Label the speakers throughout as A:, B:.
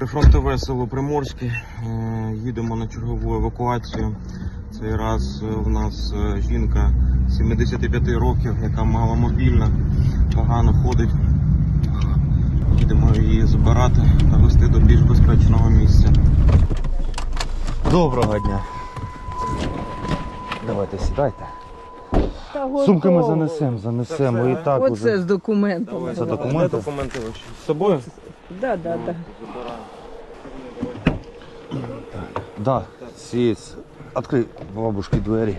A: Прифронтове село Приморське. Їдемо на чергову евакуацію. Цей раз у нас жінка 75 років, яка маломобільна, погано ходить. Їдемо її забирати та везти до більш безпечного місця. Доброго дня. Давайте сідайте. Сумки ми занесемо. І так
B: Оце
A: уже.
B: з документами.
A: Це документи?
C: Документи ваші з собою?
B: Да.
A: Да, есть. Открой бабушке двери.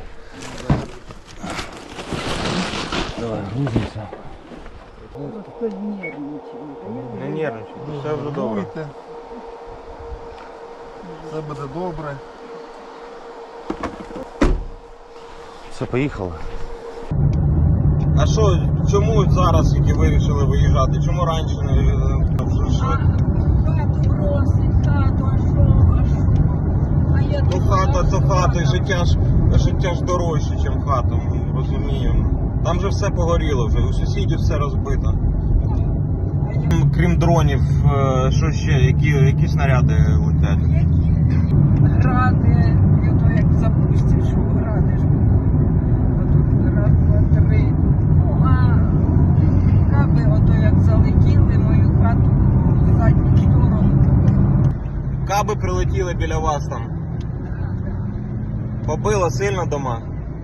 A: Давай, грузимся.
C: Не нервничайте, все вже добре.
D: Все буде добре.
A: Все, поїхали. А що, чому зараз тільки вирішили виїжджати? Чому раніше не виїжджали?
B: Хату просить, хату, а що? А я
A: Ну хата то хата, і життя ж дорожче, ніж хата, ми розуміємо. Там же все погоріло вже, у сусідів все розбито. Крім дронів, що ще, які снаряди летять?
B: Гради, і ото як запустиш, що гради ж. Отут раз, два, три. Ну, а каби ото як залетіли, мою хату в задню сторону.
A: Каби прилетіли біля вас там. Побило сильно дома?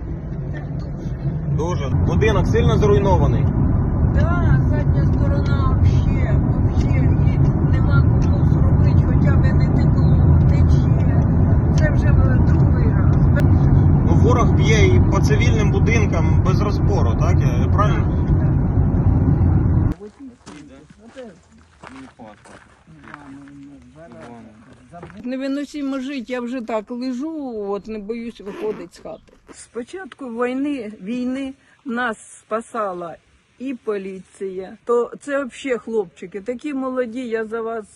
A: Дуже. Будинок сильно зруйнований?
B: Да, задня сторона вообще, і нема кому зробити, хоча б не текло, тече. Це вже другий раз.
A: Ну, ворог б'є і по цивільним будинкам без розбору, так? Я правильно?
B: Невиносимо жити, я вже так лежу, от не боюсь виходити з хати. З початку війни нас спасала і поліція. То це взагалі хлопчики, такі молоді, я за вас,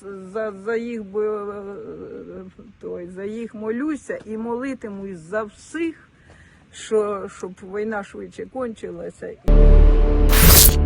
B: за їх молюся і молитимусь за всіх, щоб війна швидше кончилася.